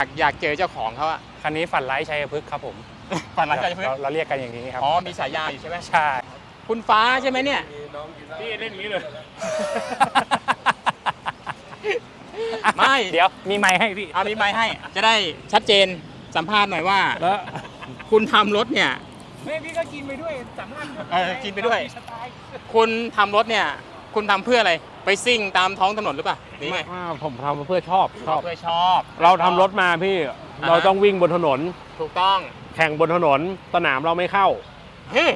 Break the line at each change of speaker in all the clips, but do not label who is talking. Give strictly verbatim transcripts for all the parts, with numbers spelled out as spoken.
อยากเจอเจ้าของเขาอะ
คันนี้ฝันร้ายชัยพฤกษ์ครับผม
ฝันร้ายชัยพฤกษ์
เราเรียกกันอย่างนี้ครับ
อ๋อมีฉายาอยู่ใช่ไหม
ใช่
คุณฟ้าใช่ไหมเนี่ย
พี่เล่นอย่างนี้เลย
ไม่
เดี๋ยวมีไมค์ให้พี่
เอามีไมค์ให้จะได้ชัดเจนสัมภาษณ์หน่อยว่า
แล้ว
คุณทำรถเนี่ย
ไม่พี่ก็กินไปด้วยสัมภาษณ์
เออกินไปด้วยคุณทำรถเนี่ยคุณทำเพื่ออะไรไปซิ่งตามท้องถนนหรือเปล่าหรือไง
ผมทำเพื่อชอบ
ชอบเพื่อชอบ
เราทำรถมาพี่เราต้องวิ่งบนถนน
ถูกต้อง
แข่งบนถนนสนามเราไม่เข้า
เฮ้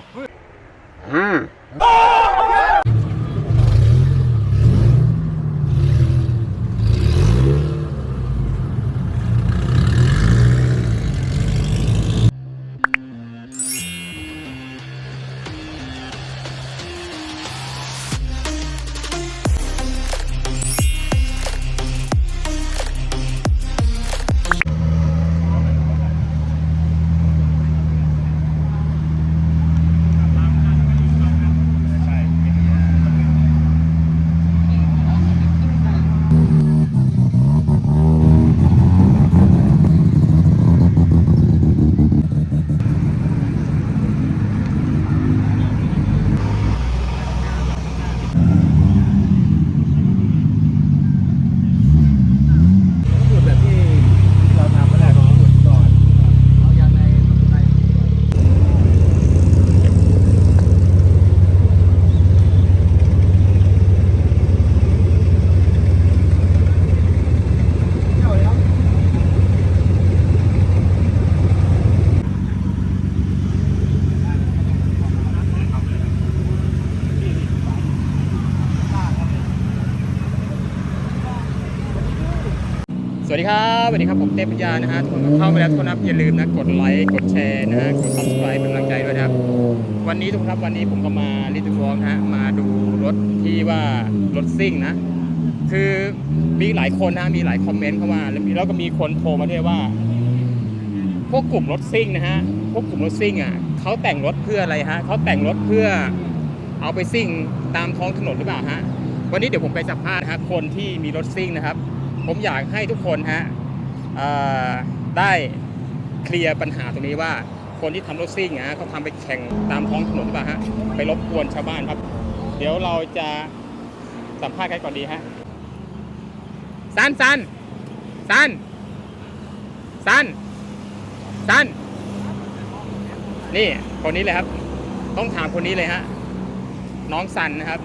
สวัสดีครับสวัสดีครับผมเต้ปัญญานะฮะทุกคนเข้าไปแล้วทุกคนนะอย่าลืมนะกดไลค์กดแชร์นะฮะกด ซับสไครบ์ เป็นกำลังใจด้วยนะครับวันนี้ทุกคนครับวันนี้ผมก็มาลิทูฟองฮะมาดูรถที่ว่ารถซิ่งนะคือมีหลายคนนะมีหลายคอมเมนต์เข้ามาแล้วก็มีคนโทรมาด้วยว่าพวกกลุ่มรถซิ่งนะฮะพวกกลุ่มรถซิ่งอ่ะเขาแต่งรถเพื่ออะไรฮะเขาแต่งรถเพื่อเอาไปซิ่งตามท้องถนนหรือเปล่าฮะวันนี้เดี๋ยวผมไปสัมภาษณ์ฮะคนที่มีรถซิ่งนะครับผมอยากให้ทุกคนฮะได้เคลียร์ปัญหาตรงนี้ว่าคนที่ทำรถซิ่งฮะเขาทำไปแข่งตามท้องถนนหรือเปล่าฮะไปรบกวนชาวบ้านครับเดี๋ยวเราจะสัมภาษณ์กันก่อนดีฮะซันซันซันซันซันนี่คนนี้เลยครับต้องถามคนนี้เลยฮะน้องซันนะครับ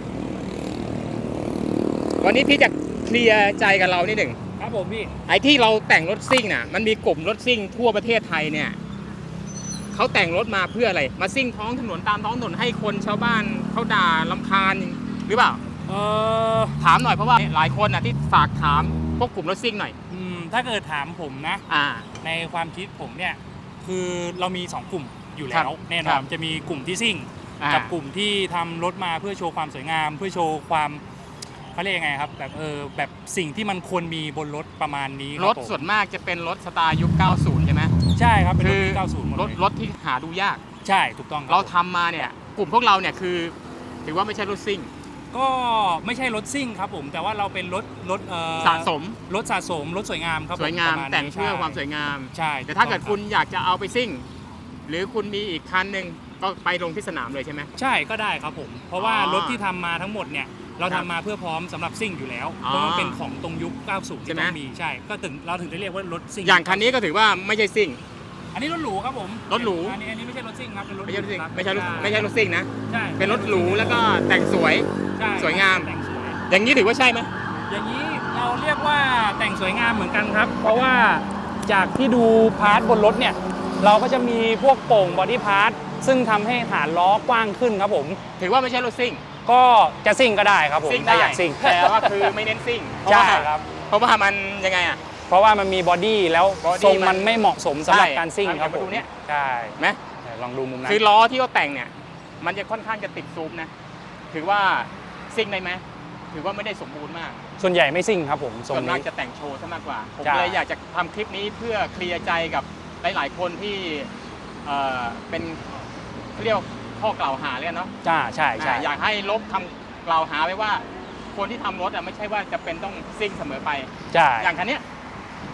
วันนี้พี่จะเคลียร์ใจกับเรานิดหนึ่ง
ครับผมพี่
ไอ้ที่เราแต่งรถซิ่งน่ะมันมีกลุ่มรถซิ่งทั่วประเทศไทยเนี่ยเขาแต่งรถมาเพื่ออะไรมาซิ่งท้องถนนตามท้องถนนให้คนชาวบ้านเขาด่ารำคาญหรือเปล่า
เออ
ถามหน่อยเพราะว่าหลายคนน่ะที่ฝากถามพวกกลุ่มรถซิ่งหน่อย
อืมถ้าเกิดถามผมนะ
อ่า
ในความคิดผมเนี่ยคือเรามีสองกลุ่มอยู่แล้วแน่นอนจะมีกลุ่มที่ซิ่งกับกลุ่มที่ทำรถมาเพื่อโชว์ความสวยงามเพื่อโชว์ความเขาเรียกยังไงครับแบบเออแบบสิ่งที่มันควรมีบนรถประมาณนี้
รถส่วนมากจะเป็นรถสไตล์ยุคเก้าสิบใช่ไหม
ใช่ครับเป็นรถยุคเก้าสิบหมดเลย
รถรถที่หาดูยาก
ใช่ถูกต้อง
เราทำมาเนี่ยกลุ่มพวกเราเนี่ยคือถือว่าไม่ใช่รถซิ่ง
ก็ไม่ใช่รถซิ่งครับผมแต่ว่าเราเป็นรถรถ
สะสม
รถสะสมรถสวยงามครับ
สวยงามแต่งเพื่อความสวยงาม
ใช่
แต่ถ้าเกิดคุณอยากจะเอาไปซิ่งหรือคุณมีอีกคันหนึ่งก็ไปลงที่สนามเลยใช่ไหม
ใช่ก็ได้ครับผมเพราะว่ารถที่ทำมาทั้งหมดเนี่ยเราทำมาเพื่อพร้อมสำหรับซิ่งอยู่แล้วเพราะมันเป็นของตรงยุคเก้าสิบที่ต้องมีใช่ก็ถึงเราถึงได้เรียกว่ารถซิ่ง
อย่างคันนี้ก็ถือว่าไม่ใช่ซิ่ง
อันนี้รถหรูครับผม
รถหรู
อันนี้อันนี้ไม่ใช่รถซิ่งครับเป็นรถ
ไม่ใช่รถซิ่งไม่ใช่รถไม่ใช่รถซิ่งนะ
ใช่
เป็นรถหรูแล้วก็แต่งสวยสวยงามอย่างนี้ถือว่าใช่ไหม
อย่างนี้เราเรียกว่าแต่งสวยงามเหมือนกันครับเพราะว่าจากที่ดูพาร์ทบนรถเนี่ยเราก็จะมีพวกโป่งบอดี้พาร์ทซึ่งทำให้ฐานล้อกว้างขึ้นครับผม
ถือว่าไม่ใช่รถซิ่ง
ก็จะซิ่งก็ได้ครับผม
ถ้าอยากซิ่งแต่ว่าคือไม่เน้นซิ่ง
ใช่ครับ
เพราะว่ามันยังไงอ่ะ
เพราะว่ามันมีบอดี้แล้วทรงมันไม่เหมาะสมสำหรับการซิ่งครับ
ผม
ใช่
ไหม
ลองดูมุมนั้น
คือล้อที่เขาแต่งเนี่ยมันจะค่อนข้างจะติดซูมนะถือว่าซิ่งได้ไหมถือว่าไม่ได้สมบูรณ์มาก
ส่วนใหญ่ไม่ซิ่งครับผม
ส่วนมากจะแต่งโชว์ซะมากกว่าผมเลยอยากจะทำคลิปนี้เพื่อเคลียร์ใจกับหลายๆคนที่เป็นเรียกข้อกล่าวหาเลยเนาะ
จ้าใช่ใช่
อยากให้ลบคำกล่าวหาไว้ว่าคนที่ทำรถอ่ะไม่ใช่ว่าจะเป็นต้องซิ่งเสมอไป
ใช่
อย่างคันนี้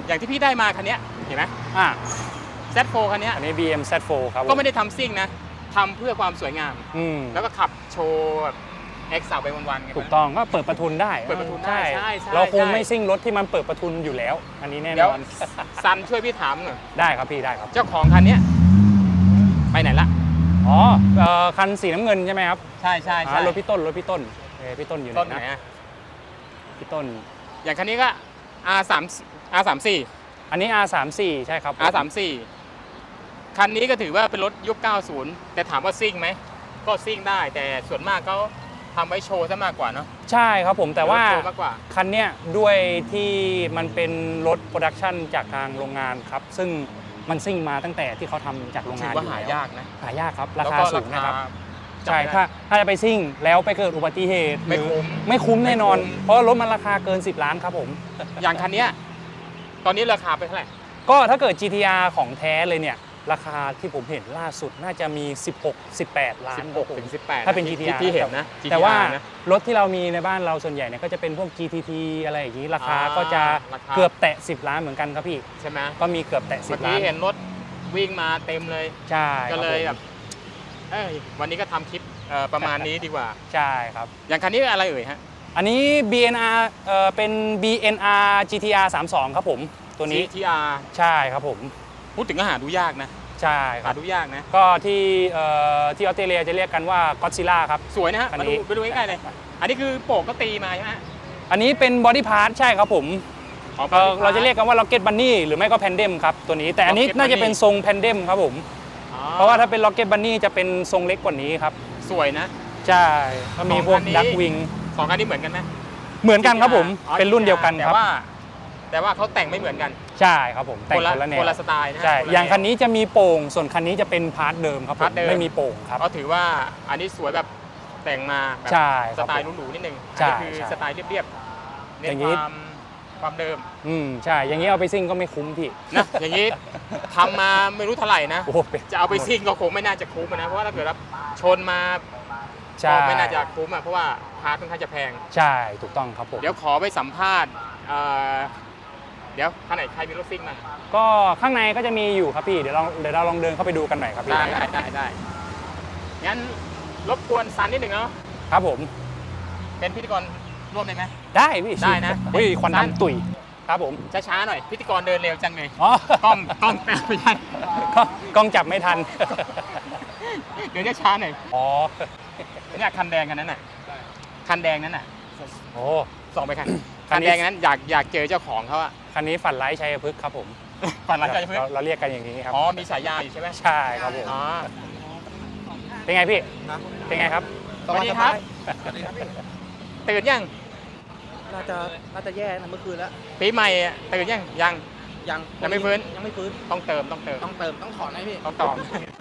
อย่างที่พี่ได้มาคันเนี้ยเห็นไหม
อ่า
แซดโฟร์ คันเนี้ย
อันนี้ บี เอ็ม แซด โฟร์ ครับ
ก็ไม่ได้ทำซิ่งนะทำเพื่อความสวยงาม
อืม
แล้วก็ขับโชว์แบบเอ็กซ์สาวไปวันๆไง
ถูกต้องก็เปิดประทุนได้
เปิดประทุนได้ใช่ใช่
เราคง
ใช่
ไม่ซิ่งรถที่มันเปิดประทุนอยู่แล้ว อันนี้แน่น
เดี๋ยว
อน
ซันช่วยพี่ถามหน่อย
ได้ครับพี่ได้ครับ
เจ้าของคันเนี้ยไปไหนละ
อ๋อเอ่อคันสีน้ำเงินใช่ไหมครับ
ใช่ใช่
อ่า
ใช่
รถพี่ต้นรถพี่ต้นเอ้ยพี่ต้นอยู่ไห
ต้น
น
ไหน
นะ
อะ
พี่ต้น
อย่างคันนี้ก็ อาร์ สาม อาร์ สาม สี่
อันนี้ อาร์ สาม สี่ ใช่ครับ
อาร์ สาม สี่ คันนี้ก็ถือว่าเป็นรถยุค เก้าสิบ แต่ถามว่าซิ่งไหมก็ซิ่งได้แต่ส่วนมากเขาทำไว้โชว์ซะมากกว่าเนาะ
ใช่ครับผมแต่ว่า
โชว์มากกว่า
คันเนี้ยด้วยที่มันเป็นรถโปรดักชันจากทางโรงงานครับ ซึ่งมันซิ่งมาตั้งแต่ที่เขาทำจากโรง
ถื
งา
อน ว่า
อยู่
หา
แล้ว
ยากนะ
หายากครับรา
แล้ว
คา
ก็
สูงนะครับ
จับ
ใช่
ไม่ได้
ถ้าถ้าจะไปซิ่งแล้วไปเกิดอุบัติเหตุ
ไม่
หรือ
คุ้ม
ไม่คุ้มแน่นอน
ไม่คุ้ม
เพราะรถมันราคาเกิน สิบ ล้านครับผม
อย่างคันเนี้ยตอนนี้ราคาไปเท่าไหร่
ก็ถ้าเกิด จี ที อาร์ ของแท้เลยเนี่ยราคาที่ผมเห็นล่าสุดน่าจะมี สิบหก สิบแปด ล้าน
สิบหกถึงสิบแปด
ถ้าเป็น
ที่
จี ที อาร์
ที่เห็นนะ
แต่ว่า
จี ที อาร์ นะ
รถที่เรามีในบ้านเราส่วนใหญ่เนี่ยก็จะเป็นพวก จี ที ที อะไรอย่างนี้ราคา
อ่า
ก็จะ
ราคา
เกือบแตะ สิบ ล้านเหมือนกันครับพี่
ใช่ไหม
ก็มีเกือบแตะ
เมื่อ
สิบ ล้า
กี้
น
เห็นรถวิ่งมาเต็มเลย
ใช่
ก็เลย
ค
แบ
รับบ
เอ้ยวันนี้ก็ทำคลิปเอ่อประมาณนี้ดีกว่า
ใช่ครับ
อย่างคันนี้อะไรเอ่ยฮะ
อันนี้ บี เอ็น อาร์ เอ่อเป็น บี เอ็น อาร์ จี ที อาร์ สามสิบสอง ครับผมตัวนี้
จี ที อาร์
ใช่ครับผม
พูดถึงก็หาดูยากนะ
ใช่ค
หา
รับ
ดูยากนะ
ก็ที่เอ่อที่ออสเตรเลียจะเรียกกันว่าก็อดซิลล่าครับ
สวยนะฮะ
คัน
มา
นี้
ดูไปดูใกล้ๆเลย อันนี้คือโปกก็ตีมาใช่ไหม
อันนี้เป็นบอดี้พาร์ทใช่ครับผม
อ๋อ
เอ่อเราจะเรียกกันว่าล็อกเก็ตบันนี่หรือไม่ก็แพนเดมครับตัวนี้แต่อันนี้
Rocket
น่าจะ
Bunny
เป็นทรงแพนเดมครับผม
อ๋อ
เพราะว่าถ้าเป็นล็อกเก็ตบันนี่จะเป็นทรงเล็กกว่านี้ครับ
สวยนะ
ใช่ก็มีพวก
สองคันนี้
ดักวิง
สองคันนี้เหมือนกันไหม
เหมือนกันครับผม
อ๋อ
เป็นรุ่นเดียวกัน
แต่
ครับ
ว่า แต่ว่าเขาแต่งไม่เหมือนกัน
ใช่ครับผมแต่ง
คนละ
คนละแนว
คนละสไตล์นะฮะ
ใช่
คนละ
อย่าง
แนว
คันนี้จะมีโป่งส่วนคันนี้จะเป็นพาร์ทเดิมครับผ
พาร์
ม
ทเดิม
ไม่มีโป่งครับ
เขาถือว่าอันนี้สวยแบบแต่งมาแบบ
ใช่ค
ส
รับ
ไตล์
ผม
หรูๆนิดนึง
ใช่
อันนี้คือ
ใช่
สไตล์เรียบๆเน้
อน ย่างนี้
ความความเดิม
อืมใช่อย่างนี้เอาไปซิ่งก็ไม่คุ้มพี่
นะ อย่างนี้ทำมาไม่รู้เท่าไหร่นะ
โอ้โหเป็น
จะเอาไปซิ่งก็คงไม่น่าจะคุ้มนะ เพราะว่าถ้าเกิดว่าชนมา
ใช่
ก็ไม่น่าจะคุ้มอ่ะเพราะว่าพาร์ทค่อนข้างจะแพง
ใช่ถูกต้องครับผม
เดี๋ยวขอไปสัมภาษณ์เอ่อเดี๋ยวท่านไหนใครมีรถซิ่งมา
ก็ข้างในก็จะมีอยู่ครับพี่เดี๋ยวลองเดี๋ยวเราลองเดินเข้าไปดูกันหน่อยครับพี่
ได้ได้ได้ได้งั้นรบกวนซันนิดหนึ่งเนาะ
ครับผม
เป็นพิธีกรร่วมได้ไหม
ได้พี่
ได้นะ
เฮ้ยควัน
สั้น
ดำตุ๋ยครับผม
ช้าๆหน่อยพิธีกรเดินเร็วจังเลย
อ๋อก
ล้องกล้องแปะไม่ใช่
ก็กล้องจับไม่ทัน
เดี๋ยวจะช้าหน่อย
อ๋อ
เนี่ยคันแดงกันนั้นน่ะคันแดงนั้นน่ะ
โอ้
ส่องไปคัน
คั
คั
น
น
นี้
แดงนั้นอยากอยากเจอเจ้าของเขาอะ
คันนี้ฝันไร้ชัยพฤกษ์ครับผม
ฝันร้ายใจเพื่อน
เราเราเรียกกันอย่างนี้ครับ
อ๋อมีฉายาอยู่ใช่ไหม
ใช่ครับผม
อ๋อ
เป็นไงพี่เป็นไงครับ
สวัสดีครับตื่นยัง
น่าจะน่าจะแย่นะเมื่อคืนแล้ว
ปีใหม่อะตื่นยังยัง
ยัง
ยังไม่ฟื้น
ยังไม่ฟื้น
ต้องเติมต้องเติม
ต้องเติมต้องถอนให้พี่
ต้องตอบ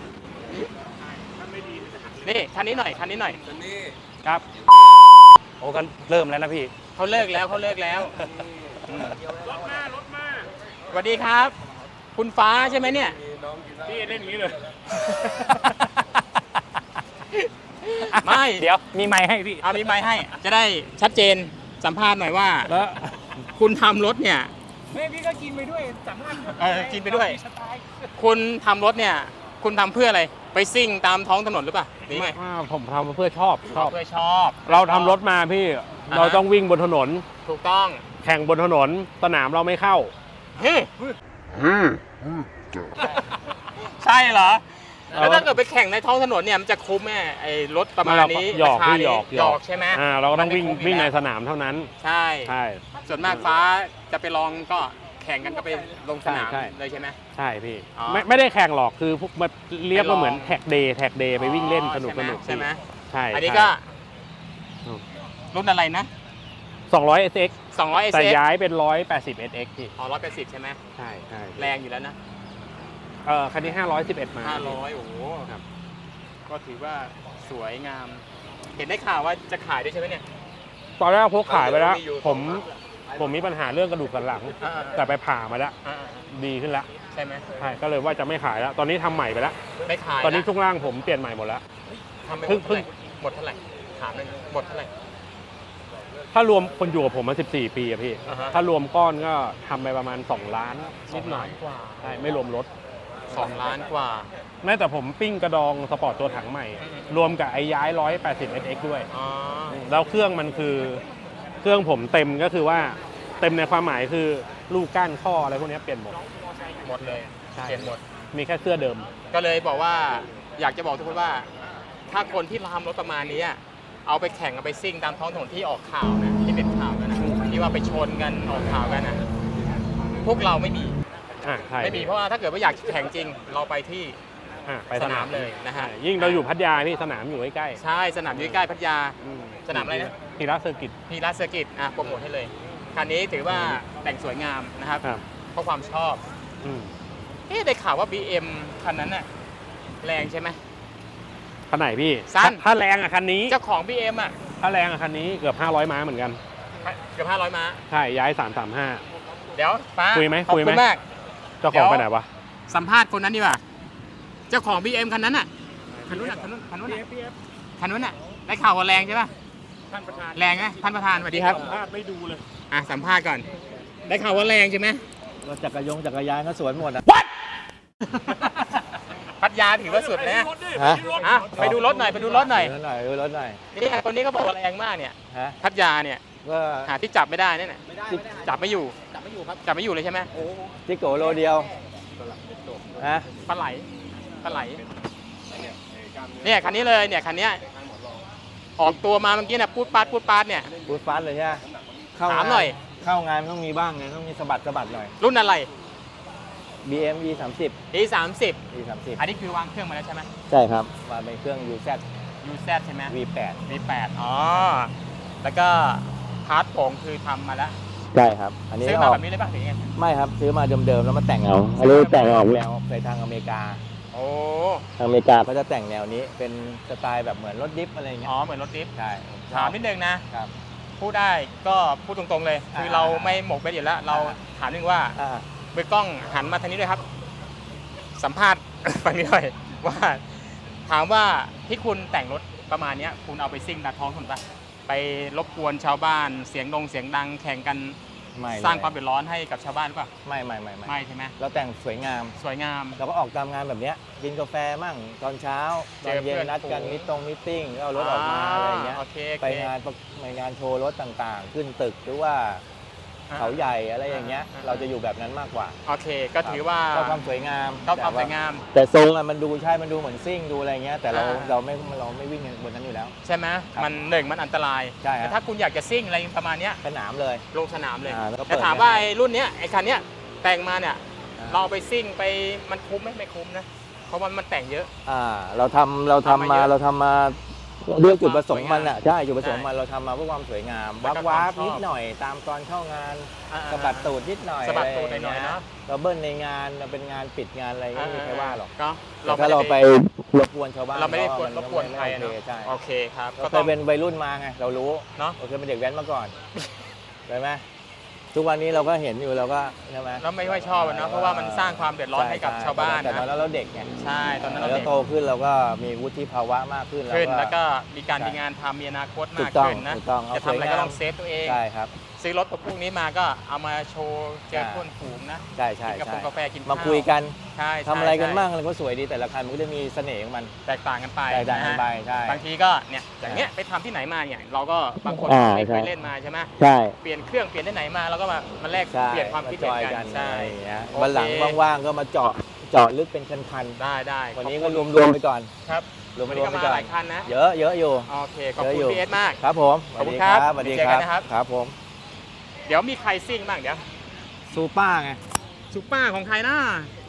นี่คันนี้หน่อยคันนี้หน่อย
ครับโอ้ก็เริ่มแล้วนะพี่
เขาเลิกแล้วเขาเลิกแล้วรถมารถมาสวัสดีครับ คุณฟ้าใช่ไหมเนี่ย
พี่เล่นอย่างนี้เลย
ไม่
เดี๋ยวมีไมค์ให้พี่
เอามีไมค์ให้ จะได้ชัดเจนสัมภาษณ์หน่อยว่า
แล้ว
คุณทำรถเนี่ย
ไม่พี่ก็กินไปด้วยสามารถ
เออกินไปด้วย คุณทำรถเนี่ย คุณทำเพื่ออะไร ไปซิ่งตามท้องถนนหรือเปล่าหรือไง
อ่าผมทำเพื่อชอบชอบ
เพื่อชอบ
เราทำรถมาพี่ เราต้องวิ่งบนถนน
ถูกต้อง
แข่งบนถนน สนามเราไม่เข้า
เฮ้ยใช่เหรอ แล้วถ้าเกิดไปแข่งในท้องถนนเนี่ยมันจะคุ้มไหมไอ้รถประมาณนี้
หยอก
ราคา
พี่
นี้
หยอก
หยอกใช่ไหม
อ่าเราก็ต้องวิ่ง
มันไม่คุ้มอยู่
วิ่งใน
แล้ว
สนามเท่านั้น
ใช่
ใช่
ส่วนมากฟ้าจะไปลองก็แข่งกันก็ไปลงสนาม
ใช่ใช่
เลยใช่ไหม
ใช่พี่
อ๋อ
ไม่ไม่ได้แข่งหรอกคือพวกมันเรียก
ไปลอง
ว่าเหมือนแท็กเดย์แท็กเดย์ไปวิ่งเล่นสนุก
ใช่
ส
ไหม
นุก
ใช่ไหม
ใช่
อันนี้ก็
อืม
รุ่นอะไรนะ
สองร้อยเอสเอ็ก
สองร้อยเอส
แต่
เอ็ก
ย้ายเป็นร้อยแปดสิบเอสเอ็กพี่
อ๋อร้อยแปดสิบใช่ไหม
ใช่ใช่
แรงอยู่แล้วนะ
เออคันนี้ห้าร้อยสิบเอ็ดมา
ห้าร้อยโอ้โห
ครับ
ก็ถือว่าสวยงาม เห็นได้ข่าวว่าจะขายด้วยใช่ไหมเนี่ย
ตอนแรกพกขายไปแล้ว
มีอยู่
ผมผมมีปัญหาเรื่องกระดูกสันหลัง
อ่า
แต่ไปผ่ามาแล้ว
อ่า
ดีขึ้นแล้ว
ใช่ไหม
ใช่ก็เลยว่าจะไม่ขายแล้ว ตอนนี้ทำใหม่ไปแล้ว
ไม่ขาย
ตอนนี้
ละ
ทุกล่างผมเปลี่ยนใหม่หมดแล้ว
ทำไปห
เพิ่
ม
ง
ดเท่าไหร่หมดเท่าไหร่ถามเลยนะหมดเท่าไหร่
ทถ้ารวมคนอยู่กับผมมาสิบสี่ปีอะพี่
อ่าฮะ
ถ้ารวมก้อนก็ทำไปประมาณสองล้านนิดหน่อย
กว่า
ใช่ไม่รวมรถ
สองล้านกว่า
แม้แต่ผมปิ้งกระดองสปอร์ตตัวถังใหม่ รวมกับไอ้ย้ายหนึ่งร้อยแปดสิบ เอส เอ็กซ์ ด้วย
อ๋อ
แล้วเครื่องมันคือเครื่องผมเต็มก็คือว่าเต็มในความหมายคือลูกก้านข้ออะไรพวกนี้เปลี่ยนหมด
หมดเลย
ใช่
เปลี่ยนหมด
มีแค่เสื้อเดิม
ก็เลยบอกว่าอยากจะบอกทุกคนว่า ถ้าคนที่ทำรถประมาณนี้อะเอาไปแข่งเอาไปซิ่งตามท้องถนนที่ออกข่าวนะที่เป็นข่าวกันนะที่ว่าไปชนกันออกข่าวกันนะพวกเราไม่มี
อ่าใช่
ไม่มีเพราะว่าถ้าเกิดว่าอยากแข่งจริง เราไปที่
อ่าไป
สนามเลยนะฮะ
ใช่ยิ่งเราอยู่พัทยาพี่สนามอยู่ใกล้
ใช่สนามอยู่ใกล้พัทยา
ๆอื
สนามอะไรนะ
ทีระเซอร์กิต
พีรัสเซอร์กิตอ่ะโปรโมทให้เลย คันนี้ถือว่าแต่งสวยงามนะครับ
ครับ
เพราะความชอบ
อืม
เอ๊ะได้ข่าวว่า บี เอ็ม คันนั้นน่ะแรงใช่ไหม
คันไหนพี่
สั้น
ถ้าแรงอะคันนี้
เจ้าของ บี เอ็ม อ่ะ
ถ้าแรงอะคันนี้เกือบห้าร้อยม้าเหมือนกัน
เกือบห้าร้อยม้า
ใช่ย้ายสามสามห้า
เดี๋ยวป้า
คุยไหม
ขอบ
คุยไหม
คุณมาก
เจ้าของไปไหนวะ
สัมภาษณ์คนนั้นดีกว่า เจ้าของ บี เอ็ม คันนั้นน่ะ คันนู้นน่ะคันนู้นคันนู้นน่ะคันนู้นน่ะ ได้ข่าวว่าแรงใช่ป่ะ
ท่านประธาน
แรงไหมท่านประธานสวัสดีครับ
สัมภาษณ์ไม่ดูเลย
อ่ะสัมภาษณ์ก่อน ได้ข่าวว่าแรงใช่ไหม
รถจักรยงจักรยานก็สวนหมดอ่ะ
พัทยาถือว่าสุดนะ
ฮะ
อ่ะไปดูรถหน่อยไปดูรถหน่อย
ดูรถหน่อยดูรถหน่อย
นี่คนนี้เขาบอกว่าแรงมากเนี่ย
ฮะ
พัทยาเนี่ย
ก็
หาที่จับไม่ได้เนี่ยน่ะ
ไม่ได้
จับไม่อยู่ จับไม่อยู่ครับ จับไม่อยู่เลยใช่ไหม
จิโกโลเดียวฮะ
ปลาไหลปลาไหล เนี่ยคันนี้เลยเนี่ยคันเนี้ยออกตัวมาเมื่อกี้น่ะปูดปาดปูดปาดเนี่ย
พูดฟาสเลยใช่ไหมเข้า
ถาม
งาน
หน่อย
เข้างานต้องมีบ้างไงต้องมีสะบัดสะบัดหน่อย
รุ่นอะไร
บี เอ็ม อี สามสิบ
อี สามสิบ
อี สามสิบ
อันนี้คือวางเครื่องมาแล้วใช่ไหม
ใช่ครับมาเป็นเครื่อง ยู แซด
ยู แซด ใช่ไหม
วี แปด
วี แปด อ๋อ แล้วก็พาร์ทโป่งคือทำมาแล้ว
ใช่ครับ อันนี้
ซื้อ
อ
มา
อก
แบบนี้เลยป่ะหรือยังไง
ไม่ครับซื้อมาเดิมๆแล้วมาแต่งเอาอันนี้แต่งออกแนวไปทางอเมริกา
โอ้
ทางอเมริกาเขาจะแต่งแนวนี้เป็นสไตล์แบบเหมือนรถดิฟอะไรอย่างเงี้
อ๋
ย
อ เหมือนรถดิฟ
ใช่
ถามนิดนึงนะ
ครับ
พูดได้ก็พูดตรงๆเลย คือ
อ่า
เราไม่หมกไปอยู่แล้ว เราถามนึงว่า
อ่า
มือกล้องหันมาทางนี้ด้วยครับ สัมภาษณ์ ฝั่งนี้หน่อยว่า ถามว่าที่คุณแต่งรถประมาณเนี้ยคุณเอาไปซิ่งตามท้องถนนปะไปรบกวนชาวบ้านเสียงดงเสียงดังแข่งกัน
ไม่เลย
สร้างความเดือดร้อนให้กับชาวบ้านหรือเปล่า
ไม่ไม่ไม่ไม่
ไม่ใช่ไหม
เราแต่งสวยงาม
สวยงาม
เราก็ออกตามงานแบบเนี้ยกินกาแฟมั่งตอนเช้าตอนเย็น
เจอเพื่อน
นัดกัน
ฝูง
มิตรงมิทติ้งก็เอารถออกมาอะไรอย่างเงี้ย
โอเคโอเค
ไปงานประไปงานโชว์รถต่างๆ ขึ้นตึกหรือว่า
อ่า
เขาใหญ่อะไรอย่างเงี้ย
อ่า
เราจะอยู่แบบนั้นมากกว่า
โอเค ก็ถือว่า
ชอบความสวยงาม
ชอบความสวยงาม
แต่ทรงอะมันดูใช่มันดูเหมือนซิ่งดูอะไรเงี้ยแต่เรา
อ่า
เราไม่เราไม่วิ่งบนนั้นอยู่แล้ว
ใช่ไหม
ครับ
มันหนึ่งมันอันตราย
ใช่ครับ
แต่ถ้าคุณอยากจะซิ่งอะไรประมาณเนี้ย
สนามเลย
ลงสนามเลย
อ่าแล้วก็เปิด
แต่ถามว่าไอ้รุ่นเนี้ยไอ้คันเนี้ยแต่งมาเนี่ย
อ่า
เราเอาไปซิ่งไปมันคุ้มไหมไม่คุ้มนะ เพราะว่ามันแต่งเยอะ
อ่าเราทำเราทำ
ทำมา
มา
เยอะ
เราทำมาด้วยจุดประสงค์มัน
สวยงาม
อ่ะใช่จุดประสงค์
ใช่
มันเราทำมาเพื่อความสวยงาม
แล้ว
วั
ก็
บวับ
ความชอบ
นิดหน่อยตามตอนเข้างาน
อ่า
สะบัดตูดนิดหน่อย
สะบัดตูด
ไร
หน่อยๆเนอะ
เราเบิ้ลในงานเราเป็นงานปิดงานอะไรไม่มีใครว่าหรอก
ก็
แต่ถ้าเราไปรบกวนชาวบ้าน
เราไม่ได้กวนร
ก็
บกวน
ไม่
ใคร
โอ
เนาะ
เคใช่
โอเคครับ
เรา
ก็
เค
ต้อย ง
เป็นวัยรุ่นมาไงเรารู้
เนาะ
เราเคยเป็นเด็กแว้นมาก่อนใช่ไหมทุกวันนี้เราก็เห็นอยู่เราก็ใช่ไหม
เราไม่ค่อยชอบอะเนาะเพราะว่ามันสร้างความเดือดร้อนให้กับ
ช่
ชาวบ้าน
แต่ตอน
นะ
นั้นเราเด็กไง
ใช่ตอนนั้นเรา
แล้ว
เด็ก
โตขึ้นเราก็มีวุฒิภาวะมากขึ้น
ขึ้นแล้วก็มีการ
ใช่
มีงานทำมีอนาคต
ถู
มาก
กต้อง
ขึ้นนะ
ถูกต้องเอา
จะทำอะไร
สวยงาม
ก็ต้องเซฟตัวเอง
ใช่ครับ
ซื้อรถพวกนี้มาก็เอามาโชว์เจอ
ใช่
เพื่อนฝูงนะ
ใช่ใช่
กินกาแฟ
ใช่
กาแฟกิน
มา
ข้าว
คุยกัน
ใช่
ทำอะไรกัน
ใช่
บ้างอะไรก็สวยดีแต่ละคันมันก็จะมีเสน่ห์ของมัน
แตกต่างกันไป
แตกต่างกันไป
ะ
ใช่
ฮะบางทีก็เนี่ยอย่างเงี้ยไปทำที่ไหนมาเนี่ยเราก็บางคน
อ่า
ไม่เค
ใช่
ยเล่นมาใช่ไหม
ใช่
เปลี่ยนเครื่องเปลี่ยนที่ไหนมาเราก็มามาแลก
ใช่
เปลี่ยนความคิดเห็น
จอย
กันใช่
อะไรอย่างเงี้ย
โอเค
วันหลังว่างๆก็มาเจาะเจาะลึกเป็นคัน
ได้ได้
ๆวันนี้
ข
ก็
อบคุณ
รวมๆไปก่อน
ครับ
รว
วันนี้
ม
ก็
ๆไป
มา
ก่อ
ห
น
ลายคันนะ
เยอะเยอะอยู่
โอเคขอบ
เยอะ
คุณ
อยู่
พีเอสมาก
ครับผม
ขอบคุณครับ
สวัสดี
เจอ
ค
กั
รั
น
บ
นะครับ
ครับผม
เดี๋ยวมีใครซิ่งบ้างเดี๋ยว
ซูป้าไง
ซูเปอร์ของใครนะ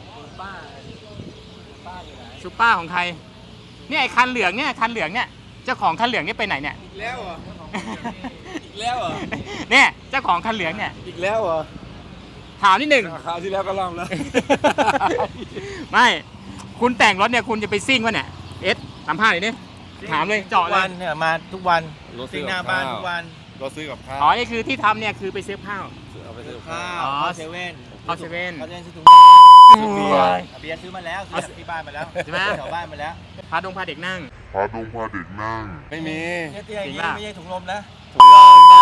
ซูเปอร์ของใครเนี่ยไอ้คันเหลืองเนี่ยคันเหลืองเนี่ยเจ้าของคันเหลืองเนี่ยไปไหนเนี่ย
อีกแล้วเหรออีกแล้วเหรอ
เนี่ยเจ้าของคันเหลืองเนี่ย
อีกแล้วเหรอ
ถามนิดหนึ่ง
คราวที่แล้วก็ล่ำแล้ว
ไม่คุณแต่งรถเนี่ยคุณจะไปซิ่งวะเนี่ยเอสสัมภาษณ์หน่อยดิถามเลยเจาะ
ทุก
เล
วั
ย
นเนี่ยมาทุกวัน
รถซื้
ซิ่
อง
หน้า
กับ
บ้าน
ข้าว
ทุกวัน
เราซื้อกับข้าว
อ๋อนี่คือที่ทำเนี่ยคือไปซื้อข้าว
เอาไปซื้อกับ
ข้า
ข้าว ว
อ๋อเซเว่น
เข้าเซเว่น
เขาจะซื้อถุงยาง
โอ้ย
เบียร์ซื้อมาแล้วซื้อจากที่บ้านมาแล้ว
ใช่ไหม
แถวบ้านมาแล้ว
พาดงพาเด็กนั่ง
พาดงพาเด็กนั่ง
ไม่มี
เตี้ยๆอย่าง
จริง
นี้
ป่ะ
ไม่ใช่ถุงลมนะ
ถุงยาง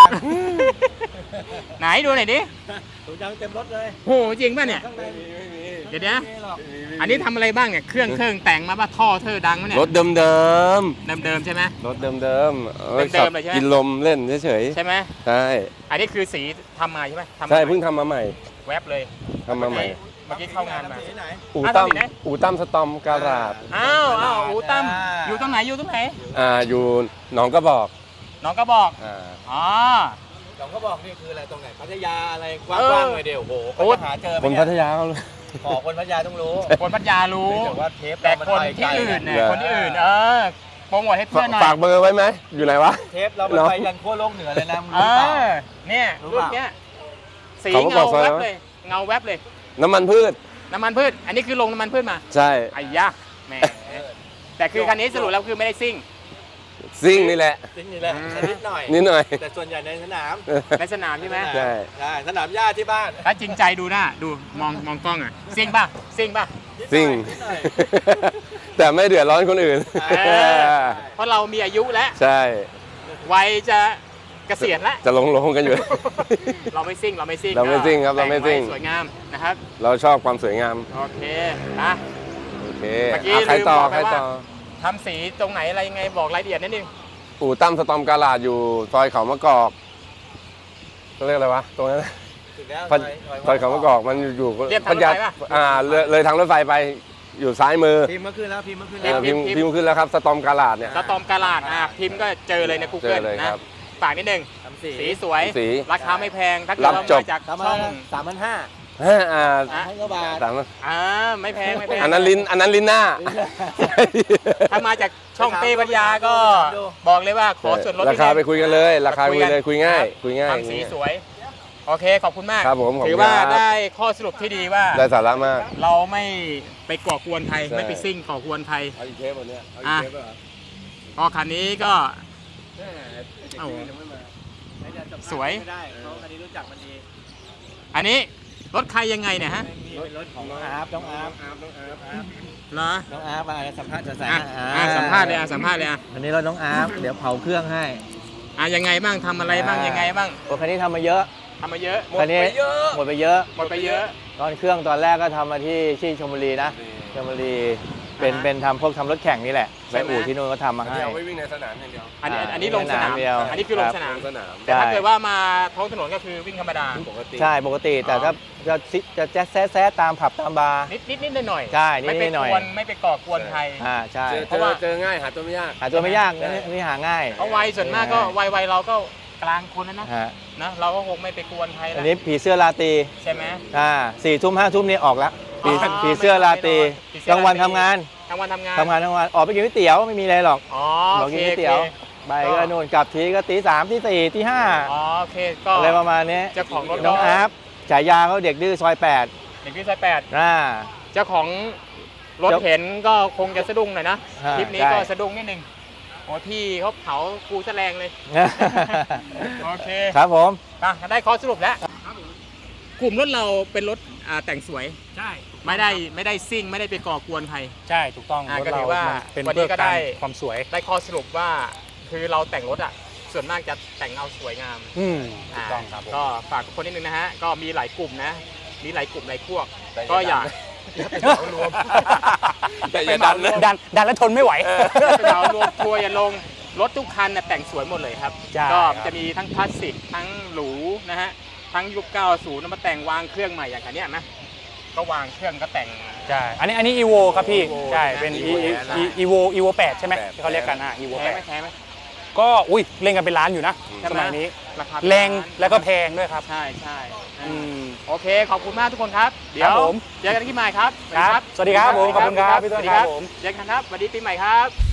ไหนดูหน่อยดิ
ถุงยางเต็มรถเลย
โอ้โหจริงป่ะเนี่ย
ข้างในไม่มี
เดี๋ยวนะอันนี้ทำอะไรบ้างเนี่ยเครื่องเครื่องแต่งมาป่ะท่อเธอดังมั้ยเนี่ย
รถเดิมเดิม
เดิมๆใช่ไหม
ๆรถเดิมเดิมๆเอาไว้
เดิ
ขั
มๆเลยใช่ไหม
กินลมเล่นเฉย
ใช่ไหม
ๆใช่
อันนี้คือสีทำมาใช่ไหมทำมา
ใช่เพิ่งทำมาใหม่
แวบเลย
ทำมาใหม่
เมื่อกี้เข้างานมา
สีไหน
อูตั้ม
อ่ะทำสีไหน
อูตั้มสตอมการาด
อ้าวอ้าวอูตั้ม
อ่า
อยู่ตรงไหนอยู่ตรงไหน
อ่าอยู่หนองกระบอก
น้องก็บอก
อ่า
อ๋อ
หลวงเขาบอกนี่คืออะไรตรงไหนพัทยาอะไรก
เออ
ว้างๆเลยเดี๋ยวโอ้โห
โอ้
เขาจะหาเจอไหม
คน
เนี่
พั
ย
ทยาเขาเลย
ขอคนพัทยาต้องรู้
คนพัทยารู้
แต่ว่าเทป
แต่
เรามัน
คน
ไปไก
ที่
ล
อื่นเนี่ย
เหรอ
คนที่อื่นเออโปรโมทให้เพื่อนหน่อย
ฝากเบอร์ไว้ไหมอยู่ไหนวะ
เทปเรามัน
เหรอ
ไปยันขั้วโลกเหนือเลยนะมึง
เอ
รู้เปล่า
อเนี่ย
รู้
รุ่
เป
น
ล่า
เนี้ยสี
เขาก็บ
เงา
อกซะ
แวบ
ว่า
เลยเงาแวบเลย
น้ำมันพืช
น้ำมันพืชอันนี้คือลงน้ำมันพืชมา
ใช่
ไอ้ยะแหมแต่คือคันนี้สรุปแล้วคือไม่ได้ซิ่ง
ซิ่งนี่แหละ
จริงนี่แหละ
อืม
นิดหน่อย
นิดหน่อย
แต่ส่วนใหญ่ในสนาม
ในสนามใช่ไหม
ใช่
ใช่สนามหญ้าที่บ้าน
ถ้าจริงใจดูหน้าดูมองมองกล้องอ่ะซิ่งป่ะซิ่งป่ะ
ซิ่ง
นิดหน่อย
แต่ไม่เดือดร้อนคนอื่น
เออเพราะเรามีอายุแล้ว
ใช่
วัยจะเกษียณแล้ว
จะลงลงกันอยู่
เราไม่ซิ่งเราไม่ซิ่ง
เราไม่ซิ่งครับเราไม่ซิ่ง
แต่งว้สวยงามนะครับ
เราชอบความสวยงาม
โอเคนะ
โอเค
เมื่อกี้
อ่ะใครต่อ
ลืมบอก
ใค
ไป
ร
ว่า
ต่อ
ทำสีตรงไหนอะไรยังไงบอกรายละเอียดนิดนึง
อู่ตั้มสตอมการาดอยู่ซอยเขามะกอกเขาเรียกอะไรวะตรงนั้น
ถึงแล้ว
ซอยซอยเขามะกอกมันอยู่
เรียบทางรถไฟป่ะ
อ่าเลยเลยทางรถไฟไปอยู่ซ้ายมือ
พิมพ์เมื่อคืนแล้วพิมพ์เมื่อคืน
เอ
แล้ว
อพิมพ์พิมพ์ขึ้นแล้วครับสตอมการาดเนี่ย
สตอมกาลาดอ่ะพิมพ์ก็เจอเลยใน
เจ
Google
อเลย
นะครับ ฝากนิดนึง
ทำสี
สีสวย
สี
ราคาไม่แพงถ้าเกิ
รั
ด
บ
ว่า
จบ
มาจาก
สาม
ช่
พั
อน ง
สามพันห้า
อ่าอ่า
อ่ะ
พันกว่าบาท
สาม
อ่าไม่แพงไม่แพง
อันนั้นลิ้นอันนั้นลิ้นหน้า
ถ้ามาจากช่องเต้ปัญญาก็บอกเลยว่าขอส่วนลด
ราคาไปคุยกันเลย ราคาคุย
กัน
เลยคุยง่าย คุยง่าย
ทำสีสวย โอเคขอบคุณมาก
ครับผมขอบคุณ
ถือว่า
ครับ
ได้ข้อสรุปที่ดีว่า
ได้สาระมาก
เราไม่ไปก่อกวนใคร
ใช่
ไม่ไปซิ่งก่อกวนใคร
เอาอีกเทปวันนี้เอา
อ่ะ
อีกเทปเหรอ
พอคันนี้ก็เอ้า สวย
ไม่ได้เขาคันนี้รู้จักมันดี
อันนี้รถใครยังไงเนี่ยฮะ
นี่เป็นรถของน้องอาร์ฟน้องอาร์ฟ
เหรอ
น้องอาร์ฟมาสัมภาษณ์จะใส่
อ่ะอ่ะสัมภาษณ์เลยอ่ะสัมภาษณ์เลยอ่ะ
อันนี้รถน้องอาร์ฟเดี๋ยวเผาเครื่องให้
อ่ะยังไงบ้างทำอะไรบ้างยังไงบ้าง
โอ้คันนี้ทำมาเยอะ
ทำมาเยอะ
คันนี้หมดไปเยอะ
หมดไปเยอะ
ตอนเครื่องตอนแรกก็ทำมาที่ที่ชลบุรีนะชลบุรีเป็น
อ่าฮะ
เป็นทำพวกทำรถแข่งนี่แหละ
ใช่
ไป
ไหม
อู่ที่นู่นก็ทำมา
อัน
ให้
นี้เอาไว้วิ่งในสนามอย่างเดียว
อันนี้
อ่า
อันนี้ลงสนาม
เดียว
อันนี้คือลงสนาม
ลงสนาม
แต่ถ้า
ใช่
เกิดว่ามาท้องถนนก็คือวิ่งธรรมดา
ปกติ
ใช่ปกติแต่
อ๋อ
ถ้าจะซิจะแจ๊สแซะแซะตามผับตามบาร์
นิดนิดนิดหน่อยหน่อย
ใช่นิด
ไม่ไป
หน่อย
กวนไม่ไปก่อกวนใคร
อ่าใช่
เจอ
เพราะว่า
เจอง่ายหาตัวไม่ยาก
หาตัวไม่ยาก
ใช่
นี่นี่หาง่าย
เพราะวัยส่วนมากก็วัยวัยเราก็กลางคนแล้วนะ
ฮะ
นะเราก็คงไม่ไปกวนใคร
อั
แล้ว
นนี้ผีเสื้อราตรี
ใช่ไหม
อ่าสี่ทุ่มห้าทุ่มนี่ออกแล้วผี
อ๋อ
ผีเสื้อราตรี
ผีเสื้อก
ลางวัน
ราตรี
ทำงาน
ทำงานทำงาน
ทำงานทั้งวันออกไปกินก๋วยเตี๋ยวไม่มีอะไรหรอก
อ๋อ
บอก
โอ
กิ
เคน
ก๋วยเตี๋ยว
โอเค
ไปก็นู่นกลับทีก็ตีสามตีสี่ตีห้า
อ๋อโอเคก็
อะไรประมาณนี้
เจ้าของรถ
น้องอาร์ฟฉายาเขาเด็กดื้อซอยแปด
เด็กที่ซอยแปด
อ่า
เจ้าของรถ
เจ้า
เห็นก็คงจะสะดุ้งหน่อยนะ
อ่า
คลิปนี้
ใช่
ก็สะดุ้งนิดนึงโอ้พี่เขาเผากูแสลงเลย โอเค
ครับผม
อ่ะได้ข้อสรุปแล้ว กลุ่มรถเราเป็นรถอ่าแต่งสวย
ใช่
ไม่ได้ไม่ได้ซิ่ง ไม่ได้ไปก่อกวนใคร
ใช่ถูกต้อง
อ่ะ
รถ
ก็ถื
เรา
อว่า
มันเป็น
วันนี้
เพื่อ
ก็
กา
ได้
รความสวย
ได้ข้อสรุปว่าคือเราแต่งรถอ่ะ ส่วนมากจะแต่งเอาสวยงาม
อืมถูกต้องครับผม
ก็ฝากทุกคนนิดนึงนะฮะ ก็มีหลายกลุ่มนะ มีหลายกลุ่มหลายพวก ก็อยากอย่าไปเหมารวม
แต่อย่าดันเลย
ดันดันแล้วทนไม่ไหว
อย่าไปเหมารวมทัวร์อย่าลง รถทุกคันนะแต่งสวยหมดเลยครับ
ใช่
ก็
ครับ
จะมีทั้งคลาสสิก ทั้งหรูนะฮะ ทั้งยุค เก้าสิบแล้วมาแต่งวางเครื่องใหม่อย่างคันเนี้ยนะ ก็วางเครื่องก็แต่ง
ใช่ อันนี้อันนี้ อี โว ครับพี่
Evo
ใช่
นะ
เป็น
Evo นะ
อี โว อี โว แปดใช่ไหม
แปด
ที่เขาเรียกกันอ่ะ อี โว
แพ้
แป
ไหม
ด
แพ้ไหม
ก็อุ้ยเล่นกันเป็นล้านอยู่นะ
ใช่ไหม
สมัยนี้
ราคา
แรง
เป็นาน
แล้วก็แพงด้วยครับ
ใช่ใช่
อืม
โอเค ขอบคุณมากทุกคนครับ เดี๋ยว
ครับผม
เจอกันที่ใหม่ครับ
ครับสวัสดีครับผมขอบคุณครับพี่ต้น
สวัสดี
ครับผม
เจอกันครับสวัสดีปีใหม่ครับ